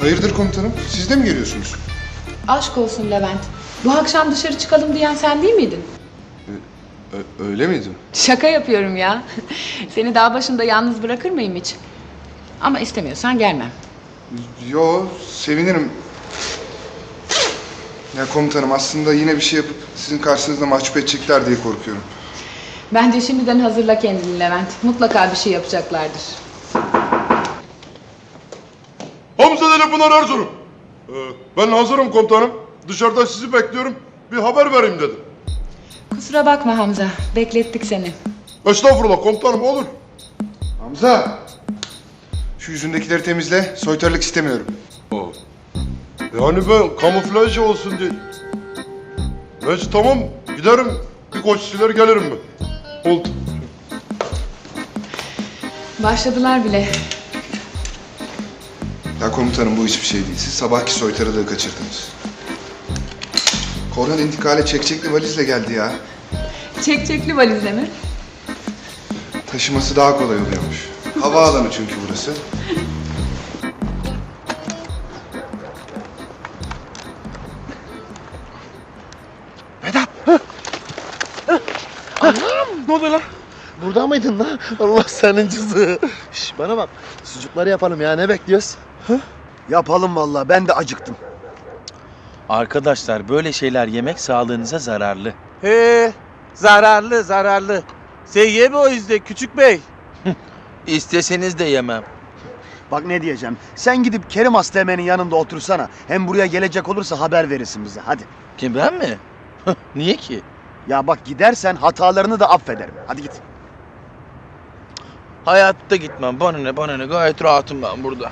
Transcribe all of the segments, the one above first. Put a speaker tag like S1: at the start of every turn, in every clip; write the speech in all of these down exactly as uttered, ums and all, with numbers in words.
S1: Hayırdır komutanım? Siz de mi geliyorsunuz?
S2: Aşk olsun Levent. Bu akşam dışarı çıkalım diyen sen değil miydin?
S1: Ö- öyle miydi?
S2: Şaka yapıyorum ya. Seni dağ başında yalnız bırakır mıyım hiç? Ama istemiyorsan gelmem.
S1: Yo, sevinirim. Ya komutanım aslında yine bir şey yapıp sizin karşınızda mahcup edecekler diye korkuyorum.
S2: Bence şimdiden hazırla kendini Levent. Mutlaka bir şey yapacaklardır.
S3: Hamza Deli Pınar Erzurum. Ee, ben hazırım komutanım. Dışarıda sizi bekliyorum. Bir haber vereyim dedim.
S2: Kusura bakma Hamza. Beklettik seni.
S3: Estağfurullah komutanım, olur.
S1: Hamza! Şu yüzündekileri temizle, soytarılık istemiyorum.
S3: Aa, yani ben kamuflaj olsun diye. Neyse tamam, giderim. Bir koç siler gelirim ben. Oldu.
S2: Başladılar bile.
S1: Ya komutanım bu hiçbir şey değil. Siz sabahki soytarılığı kaçırdınız. Korhan intikale çekçekli valizle geldi ya.
S2: Çekçekli valizle mi?
S1: Taşıması daha kolay oluyormuş. Havaalanı çünkü burası.
S4: Ne oluyor lan? Burada mıydın lan? Allah senin cızı. Şş, bana bak. Sucukları yapalım ya. Ne bekliyoruz? Hı? Yapalım vallahi. Ben de acıktım.
S5: Arkadaşlar böyle şeyler yemek sağlığınıza zararlı.
S6: He, zararlı zararlı. Sen yeme o yüzden küçük bey.
S5: İsteseniz de yemem.
S4: Bak ne diyeceğim. Sen gidip Kerim Asteğmen'in yanında otursana. Hem buraya gelecek olursa haber verirsin bize. Hadi.
S5: Kim, ben mi? Niye ki?
S4: Ya bak gidersen hatalarını da affederim. Hadi git.
S5: Hayatta gitmem. Bana ne bana ne, gayet rahatım ben burada.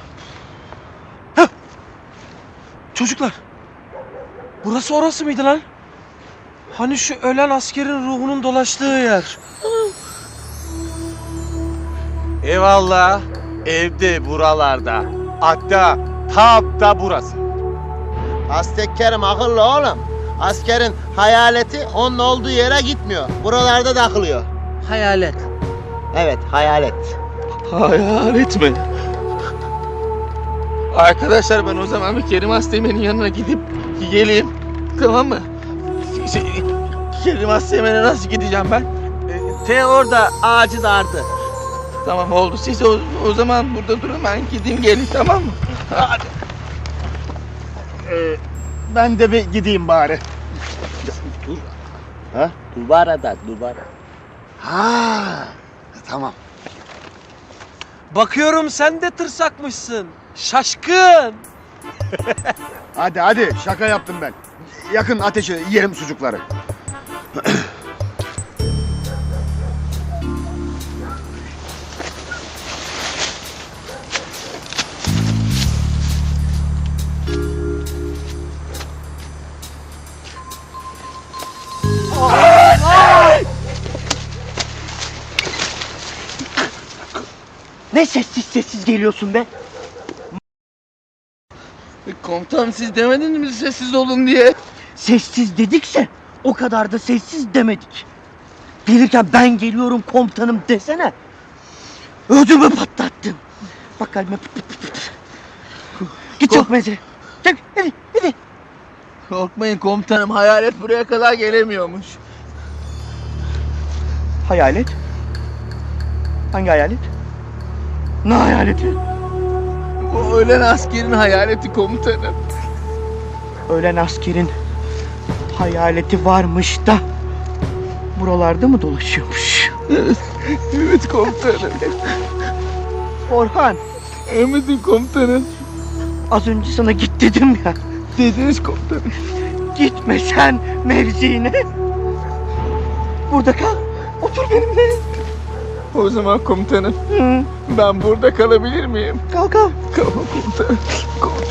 S6: Çocuklar. Burası orası mıydı lan? Hani şu ölen askerin ruhunun dolaştığı yer. Eyvallah. Evde buralarda. Hatta tam da burası.
S7: Aztek Kerim akıllı oğlum. Askerin hayaleti onun olduğu yere gitmiyor. Buralarda takılıyor.
S6: Hayalet.
S7: Evet, hayalet.
S5: Hayalet mi? Arkadaşlar ben o zaman bir Kerim Asteğmen'in yanına gidip geleyim. Tamam mı? Şey, Kerim Asteğmen'e nasıl gideceğim ben?
S7: E, Te orada ağacı dardı.
S5: Tamam oldu. Siz o, o zaman burada durun, ben gideyim geleyim, tamam mı? Hadi.
S4: Ee, ben de bir gideyim bari.
S7: Dur. Ha? Dubara dubara.
S4: Ha, tamam.
S6: Bakıyorum sen de tırsakmışsın. Şaşkın.
S4: Hadi hadi. Şaka yaptım ben. Yakın ateşe yiyelim sucukları.
S7: Ne sessiz sessiz geliyorsun be?
S5: Komutanım siz demediniz mi sessiz olun diye?
S7: Sessiz dedikse o kadar da sessiz demedik. Gelirken ben geliyorum komutanım desene. Ödümü patlattın. Bak kalbime pıt pıt pıt pıt. Git çok meze. Çek hadi hadi.
S5: Korkmayın komutanım, hayalet buraya kadar gelemiyormuş.
S7: Hayalet? Hangi hayalet? Ne hayaleti?
S5: O ölen askerin hayaleti komutanım.
S7: Ölen askerin hayaleti varmış da buralarda mı dolaşıyormuş?
S5: Evet komutanım.
S7: Orhan,
S5: Emredin komutanım.
S7: az önce sana git dedim ya.
S5: Dediniz komutanım.
S7: Gitme sen mevziine. Burada kal. Otur benimle.
S5: O zaman komutanım
S7: Hı,
S5: ben burada kalabilir miyim?
S7: kal kal.
S5: Tamam komutanım. Komutanım.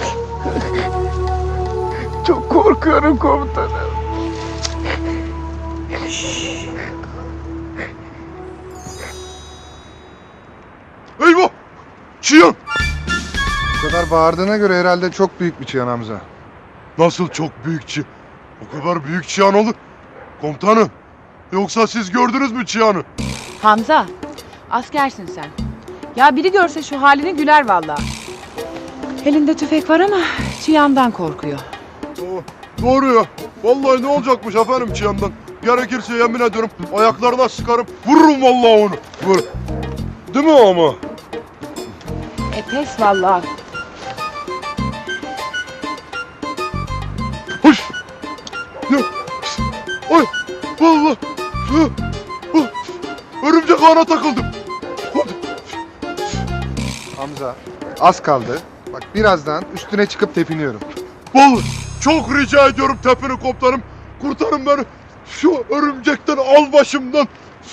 S5: Çok korkuyorum komutanım.
S3: Eyvah! Çiyan!
S1: Bu kadar bağırdığına göre herhalde çok büyük bir çıyan Hamza.
S3: Nasıl çok büyük çi? O kadar büyük çiyan olur. Komutanım, yoksa siz gördünüz mü çiyanı?
S2: Hamza, askersin sen. Ya biri görse şu halini güler vallahi. Elinde tüfek var ama Çiyan'dan korkuyor.
S3: Oo, doğru ya. Vallahi ne olacakmış efendim Çiyan'dan. Gerekirse yemin ediyorum ayaklarına sıkarım. Vururum vallahi onu. Vur. Değil mi ama?
S2: E pes vallahi.
S3: Hoş. Ya. Ay. Vallahi. Ya. Ah, örümcek ağına takıldım.
S1: Hamza, az kaldı. Bak birazdan üstüne çıkıp tepiniyorum.
S3: Vallahi çok rica ediyorum tepini komutanım. Kurtarın beni. Şu örümcekten al başımdan.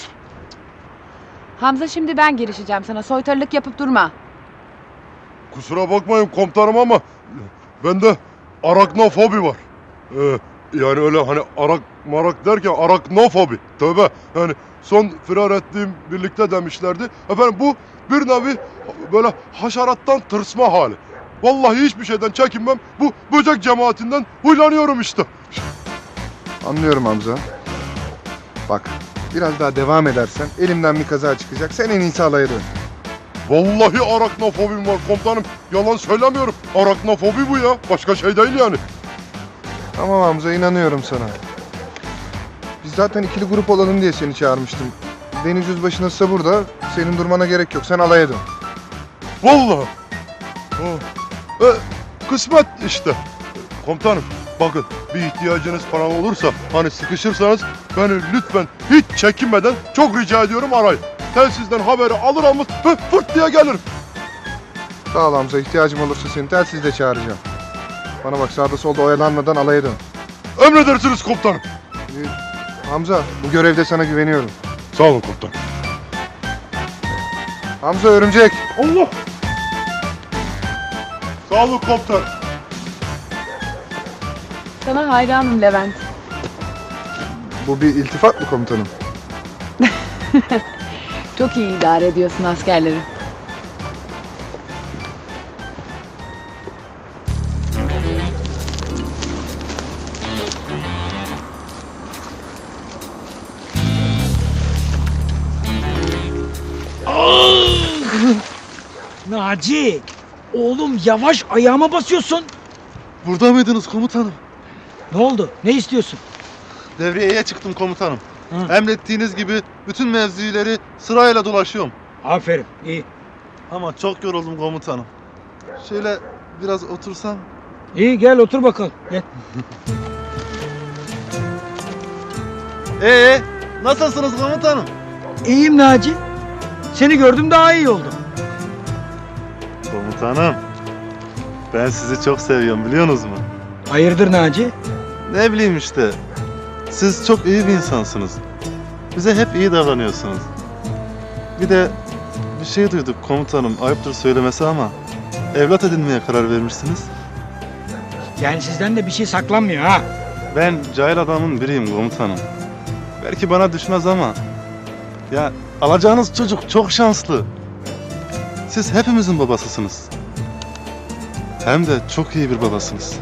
S2: Hamza şimdi ben girişeceğim sana. Soytarılık yapıp durma.
S3: Kusura bakmayın komutanım ama bende araknofobi var. Ee, yani öyle hani arak marak derken araknofobi. Tövbe. Yani son firar ettiğim birlikte demişlerdi. Efendim bu bir nevi böyle haşerattan tırsma hali. Vallahi hiçbir şeyden çekinmem. Bu böcek cemaatinden huylanıyorum işte.
S1: Anlıyorum Hamza. Bak, biraz daha devam edersen elimden bir kaza çıkacak. Sen en iyisi alaya dön.
S3: Vallahi araknofobim var komutanım. Yalan söylemiyorum. Araknofobi bu ya. Başka şey değil yani.
S1: Tamam Hamza, inanıyorum sana. Biz zaten ikili grup olalım diye seni çağırmıştım. Deniz Yüzbaşı nasılsa burada. Senin durmana gerek yok. Sen alaya dön.
S3: Vallahi. Ha. E, kısmet işte. Komutanım bakın bir ihtiyacınız falan olursa hani sıkışırsanız beni lütfen hiç çekinmeden çok rica ediyorum arayın. Telsizden haberi alır almaz hı, fırt diye gelirim.
S1: Sağ ol Hamza. İhtiyacım olursa seni telsizle çağıracağım. Bana bak, sağda solda oyalanmadan alaya dön.
S3: Emredersiniz komutanım.
S1: Ee, Hamza, bu görevde sana güveniyorum.
S3: Sağ olun komutanım.
S1: Hamza, örümcek.
S3: Allah. Sağ olun komutanım.
S2: Sana hayranım Levent.
S1: Bu bir iltifat mı komutanım?
S2: Çok iyi idare ediyorsun askerleri.
S8: Naci! Oğlum yavaş ayağıma basıyorsun.
S4: Burada mıydınız komutanım?
S8: Ne oldu? Ne istiyorsun?
S4: Devriyeye çıktım komutanım.
S8: Hı.
S4: Emrettiğiniz gibi bütün mevzileri sırayla dolaşıyorum.
S8: Aferin, iyi.
S4: Ama çok yoruldum komutanım. Şöyle biraz otursam.
S8: İyi gel otur bakalım. Gel.
S4: Ee, nasılsınız komutanım?
S8: İyiyim Naci. Seni gördüm daha iyi oldum.
S4: Komutanım, ben sizi çok seviyorum biliyorsunuz mu?
S8: Hayırdır Naci?
S4: Ne bileyim işte. Siz çok iyi bir insansınız. Bize hep iyi davranıyorsunuz. Bir de bir şey duyduk komutanım, ayıptır söylemesi ama evlat edinmeye karar vermişsiniz.
S8: Yani sizden de bir şey saklanmıyor ha.
S4: Ben cahil adamın biriyim komutanım. Belki bana düşmez ama ya alacağınız çocuk çok şanslı. Siz hepimizin babasısınız. Hem de çok iyi bir babasınız.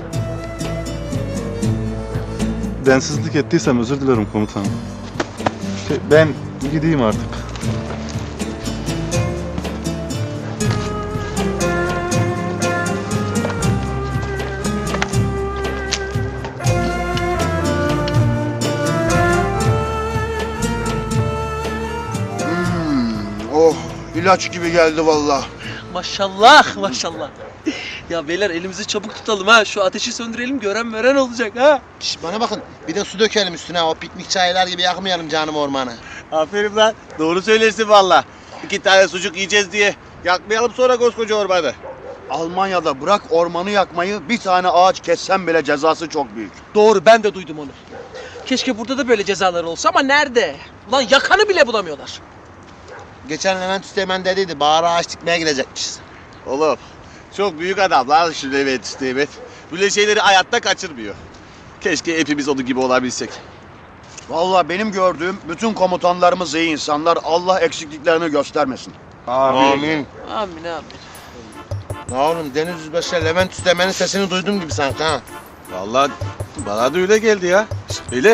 S4: Densizlik ettiysem özür dilerim komutanım. Şey, ben gideyim artık.
S9: Oh, ilaç gibi geldi vallahi.
S6: Maşallah maşallah. Ya beyler elimizi çabuk tutalım ha. Şu ateşi söndürelim gören veren olacak ha.
S9: Şş, bana bakın, bir de su dökelim üstüne. O piknik çaylar gibi yakmayalım canım ormanı.
S10: Aferin lan. Doğru söylersin valla. İki tane sucuk yiyeceğiz diye yakmayalım sonra koskoca ormanı.
S9: Almanya'da bırak ormanı yakmayı, bir tane ağaç kessen bile cezası çok büyük.
S6: Doğru ben de duydum onu. Keşke burada da böyle cezalar olsa ama nerede? Ulan yakanı bile bulamıyorlar.
S9: Geçen Levent Üsteğmen dediydi, bağır ağaç dikmeye gidecekmişiz.
S10: Oğlum çok büyük adam lan şu Levent Üsteğmen. Böyle şeyleri hayatta kaçırmıyor. Keşke hepimiz onun gibi olabilsek.
S9: Vallahi benim gördüğüm bütün komutanlarımız iyi insanlar. Allah eksikliklerini göstermesin.
S3: Amin.
S6: Amin amin.
S9: Ya oğlum, Deniz Yüzbaşı Levent Üsteğmen'in sesini duydum gibi sanki ha.
S10: Vallahi bana da öyle geldi ya. Şşt, beyler.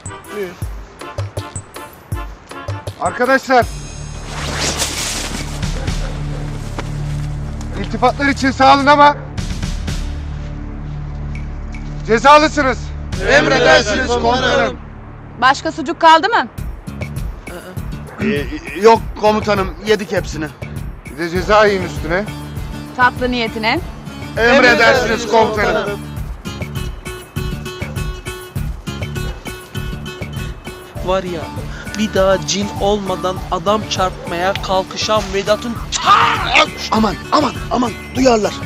S1: Arkadaşlar. İltifatlar için sağ olun ama cezalısınız.
S9: Emredersiniz komutanım.
S2: Başka sucuk kaldı mı?
S9: Ee, yok komutanım, yedik hepsini.
S1: Bir de ceza yiyin üstüne.
S2: Tatlı niyetine.
S9: Emredersiniz komutanım.
S6: Var ya, bir daha cin olmadan adam çarpmaya kalkışan Vedat'ın
S9: Aman aman aman, duyarlar.